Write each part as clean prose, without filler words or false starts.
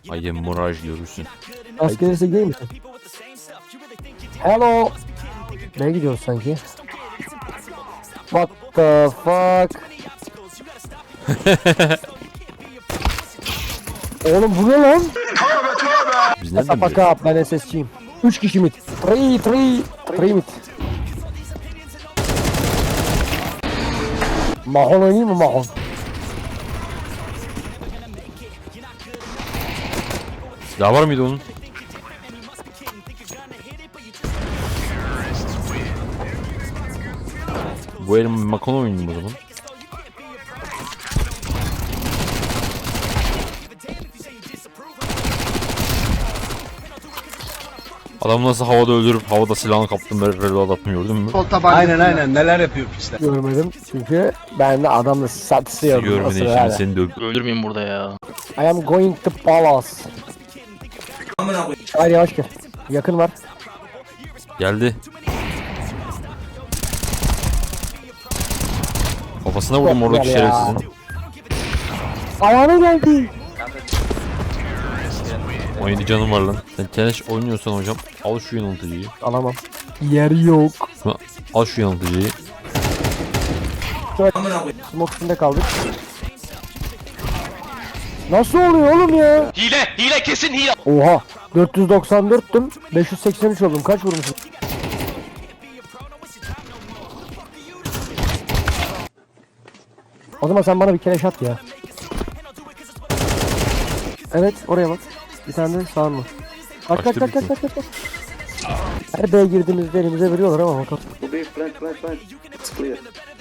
I am Mirage görürsün. Az gelirse gay misin? Hello. Nereye gidiyoruz sanki? What the fuck? Oğlum bu ne lan? Biz nereden Sapa biliyoruz? kap, ben SS'çiyim. 3 kişi mid. 3 mid. Mahon oynayayım mı Mahon? Silah var mıydı onun? Bu elim Makon oynayayım o zaman. Adam nasıl havada öldürüp havada silahını kaptım böyle reload atmıyor gördün mü? Aynen neler yapıyor işte. Görmedim çünkü ben de adamla satsıyorum. Görmeden şimdi seni de Öldürmeyin burada ya. I am going to palace. Hayır yavaş gel. Yakın var. geldi. Kafasına vurdum Çok oradaki güzel ya. şerefsizin. Ayağına geldi. 17 canım var lan. Sen tenis oynuyorsan hocam al şu yanıltıcıyı. Alamam. Yer yok. Al şu yanıltıcıyı. Smoke üstünde kaldık. Nasıl oluyor oğlum ya? Hile kesin hile. Oha. 494'tüm. 583 oldum. Kaç vurmuşum? O zaman sen bana bir keleş at ya. Evet oraya bak. Bir tane de sağ mı? Kaç. Her B'ye girdiğimizde elimize veriyorlar ama bakalım. It's clear.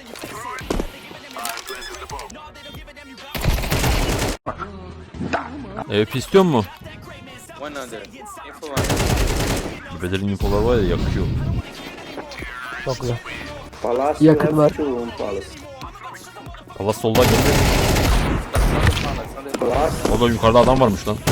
EP istiyor mu? 100. Info 1. Bedel'in infolar var ya yakıyor. Çok güzel. Palace Yakın have var. two on Palace. Allah soldan geldi. O da yukarıda adam varmış lan.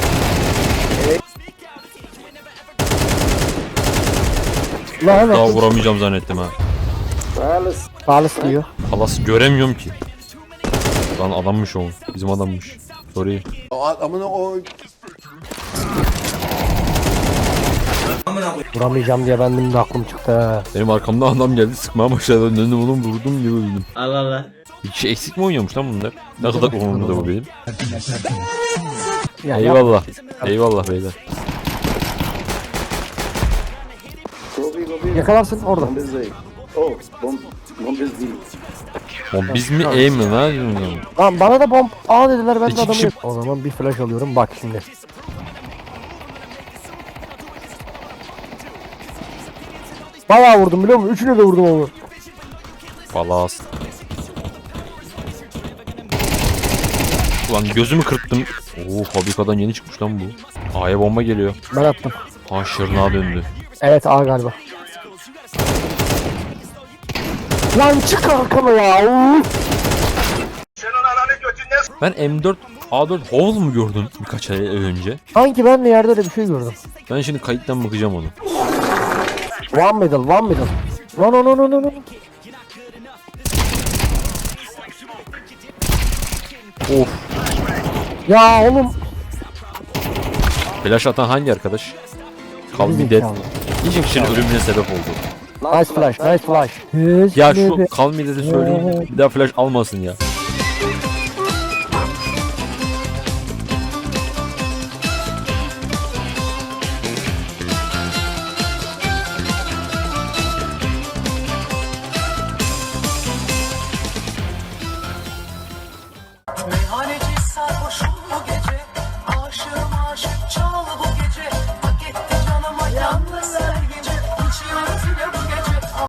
Lan Daha evet. vuramayacağım zannettim ha. Palace. Pahalısı diyor. Halas göremiyorum ki. Lan adammış o. Bizim adammış. Sorry. Vuramayacağım diye benim de aklım çıktı ha. Benim arkamdan adam geldi sıkmaya başladı. Döndüm oğlum vurdum diye öldüm. Allah Allah. Bir kişi eksik mi oynuyormuş lan bunlar? Ne kadar umurumda bu benim. Ya, Eyvallah. Eyvallah beyler. Go B. Yakalarsın orada. Bomb is A. Oh, bomb is B. Oğlum biz mi E mi lan? Lan bana da bomb A dediler ben de İki adamı kişi- yok. O zaman bir flash alıyorum bak şimdi. Bayağı vurdum biliyor musun? Üçüne de vurdum onu. Palas. Ulan gözümü kırptım. Oo fabrikadan yeni çıkmış lan bu. A'ya bomba geliyor. Ben attım. Ha şırnağa döndü. Evet A galiba. Lan çık arkama ya. Uf. Ben M4 A4 Hovel mu gördüm birkaç ay önce? Sanki ben de yerde öyle bir şey gördüm. Ben şimdi kayıttan bakacağım onu. One middle. No. Of. Ya oğlum. Flash atan hangi arkadaş? Call me dead. İki kişinin ölümüne sebep oldu. Nice flash. Ya şu Call me dead'i söyleyin. Bir daha flash almasın ya. Meyhaneci sarhoşum bu gece. Aşığım aşık çok.